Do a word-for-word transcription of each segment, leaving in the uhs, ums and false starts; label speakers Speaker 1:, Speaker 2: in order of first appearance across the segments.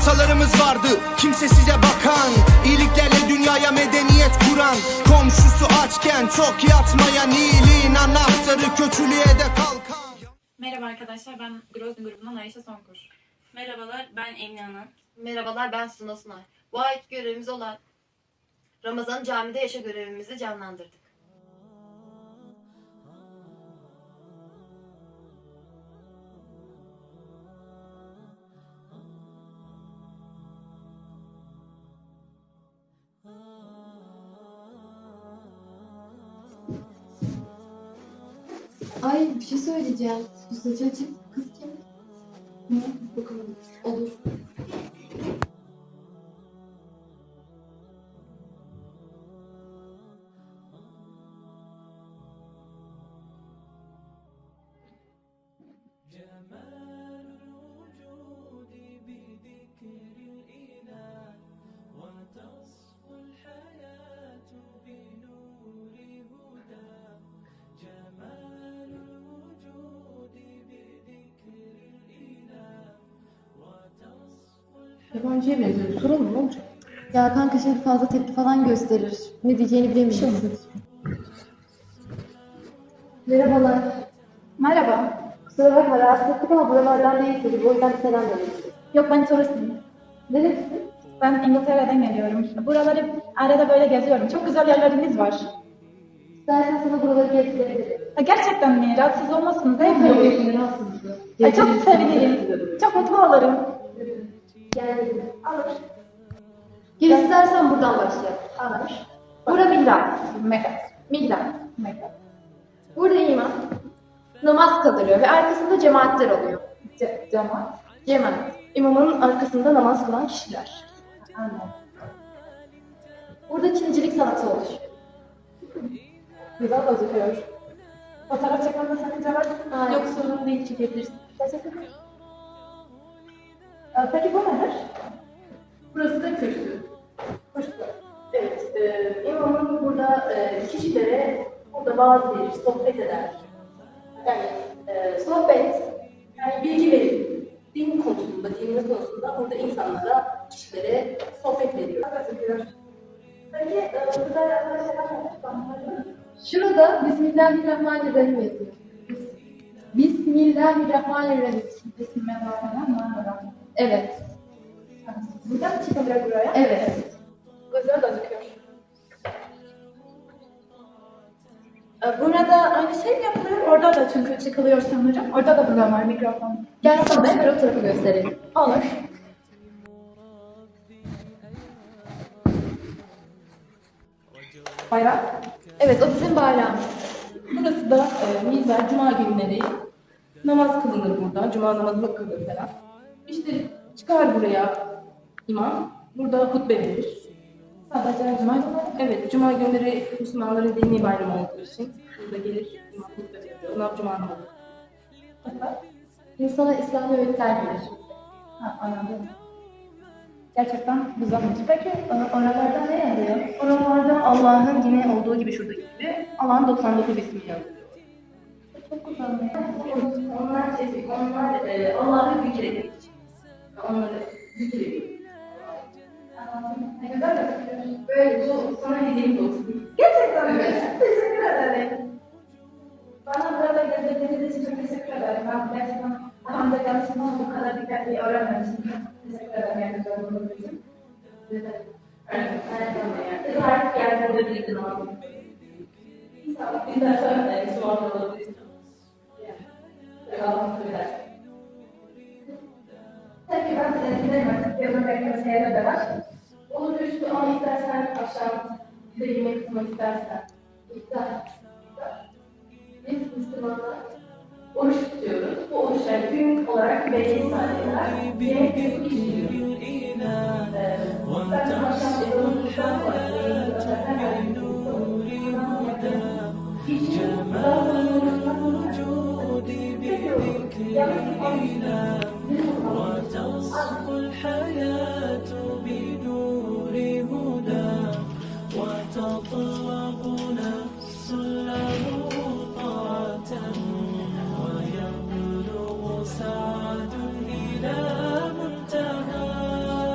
Speaker 1: Atalarımız vardı kimse size bakan, iyiliklerle dünyaya medeniyet kuran, komşusu açken çok yatmayan, iyiliğin anahtarı kötülüğe de kalkan.
Speaker 2: Merhaba arkadaşlar, ben Grozny grubundan Ayşe Sonkur.
Speaker 3: Merhabalar, ben Emine Hanım.
Speaker 4: Merhabalar, ben Suna Sunay. Bu ayki görevimiz olan Ramazan camide yaşa görevimizi canlandırdık.
Speaker 5: Ay bir şey söyleyeceğim. Bu saçı açık kız kim? Ne? Bakalım. Olur.
Speaker 6: Yabancıya benziyor. Soralım ne olacak?
Speaker 5: Ya kanka şimdi fazla tepki falan gösterir. Ne diyeceğini bilemiyorum. Merhabalar.
Speaker 7: Merhaba.
Speaker 5: Kusura bakma rahatsız ettik ama buralardan değilsiniz. O yüzden bir selam verelim.
Speaker 7: Yok, ben turistim.
Speaker 5: Nerelisin?
Speaker 7: Ben İngiltere'den geliyorum. Buraları arada böyle geziyorum. Çok güzel yerleriniz var.
Speaker 5: İstersen sana buraları gezdirebilirim.
Speaker 7: Ha, gerçekten mi? Rahatsız olmazsınız değil mi?
Speaker 5: Yok, rahatsız.
Speaker 7: Ay, çok sevinirim. Çok mutlu olurum.
Speaker 5: Gel.
Speaker 7: Alır.
Speaker 5: Gel istersen buradan başlayalım.
Speaker 7: Alır.
Speaker 5: Bura mihrap.
Speaker 7: Mekan.
Speaker 5: Mihrap.
Speaker 7: Mekan.
Speaker 5: Burada imam namaz kılıyor ve arkasında cemaatler oluyor.
Speaker 7: Ce cemaat.
Speaker 5: Cemaat.
Speaker 6: İmamın arkasında namaz kılan kişiler.
Speaker 7: Anladım.
Speaker 5: Burada Çinicilik sanatı oluşuyor.
Speaker 7: Güzel gözüküyor. Fotoğraf çekmemde sakınca var mı?
Speaker 5: Hayır.
Speaker 6: Yok sorun değil, çekebilirsin.
Speaker 7: Teşekkür ederim. Ee, Peki bu nedir?
Speaker 6: Burası da kürsü.
Speaker 7: Hoş geldin.
Speaker 6: Evet, e, imamın burada e, kişilere burada vaaz verir, sohbet eder. Yani e, sohbet, yani bilgi verir. Din konusunda, dinimiz konusunda burada insanlara, kişilere sohbet veriyor.
Speaker 7: Peki, e, burada arkadaşlar var.
Speaker 5: Şurada Bismillahirrahmanirrahim yazıyor. Bismillahirrahmanirrahim.
Speaker 7: Bismillahirrahmanirrahim.
Speaker 5: Evet.
Speaker 7: Buradan çıkabilir buraya.
Speaker 5: Evet.
Speaker 7: Güzel gözüküyor.
Speaker 2: Ee,
Speaker 7: Burada aynı şey mi yapılıyor? Orada da çünkü çıkılıyor sanırım. Orada da burada var mikrofon.
Speaker 5: Gel sana beraber o tarafı gösterelim.
Speaker 7: Olur. Bayrak.
Speaker 5: Evet o bizim bayrağımız.
Speaker 6: Burası da e, minber, cuma günleri namaz kılınır burada. Cuma namazı kılınır falan. İşte çıkar buraya imam. Burada hutbe verir.
Speaker 7: Sadece cuma günü.
Speaker 6: Evet, cuma günleri Müslümanların dini bayramı olduğu için burada gelir imam hutbe veriyor. Ona cuma namazı.
Speaker 5: İnsana İslami öğütler verir.
Speaker 7: Ha, anladım. Gerçekten güzelmiş. Peki e, oralarda ne yazıyor?
Speaker 6: Oralarda Allah'ın yine olduğu gibi şuradaki gibi Allah'ın doksan dokuz ismi yazıyor.
Speaker 7: Çok güzel.
Speaker 6: Onlar, onlar e, Allah'ı zikrediyor. Onları zikrediyor.
Speaker 7: Anladım. Ne güzel gözüküyor.
Speaker 6: Böyle bu sana hediyemiz olsun.
Speaker 7: Gerçekten mi? Teşekkür ederim. Bana burada gezdirdiğiniz için çok teşekkür ederim. Ben gerçekten Hamza Galatasaray bu kadar dikkatli öğrenmemiştim. Teşekkür ederim yardımcı olduğunuz için.
Speaker 6: Evet, evet. Her yer burada birlikte namaz kılıyor. İstersen e, sual alabilirsin. Yani, Allah'ın söyler.
Speaker 7: Peki ben e, gidelim artık. Yazın beklemesi yerine de var.
Speaker 6: Olur üstü ama istersen akşam bize yemek kısmı istersen. İftar. Biz Müslümanlar oruç tutuyoruz. Bu oruçlar gün olarak belli saatler. Yemek kısmı kişiliyor. İstersen akşam ezanından sonra
Speaker 8: وتصفو الحياة بنور هدى وتطلب نفس له طاعة ويبلغ سعد إلى منتهى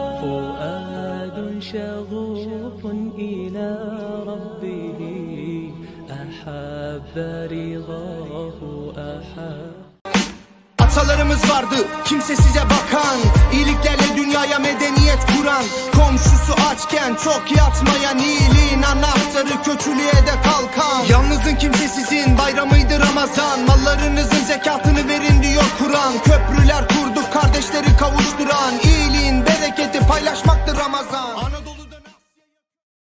Speaker 8: شغوف إلى ربه أحب رضاه أحب.
Speaker 1: Atalarımız vardı kimsesize bakan, iyiliklerle dünyaya medeniyet kuran, komşusu açken çok yatmayan, iyiliğin anahtarı kötülüğe de kalkan. Yalnızın kimsesizin bayramıydı Ramazan, mallarınızın zekatını verin diyor Kur'an. Köprüler kur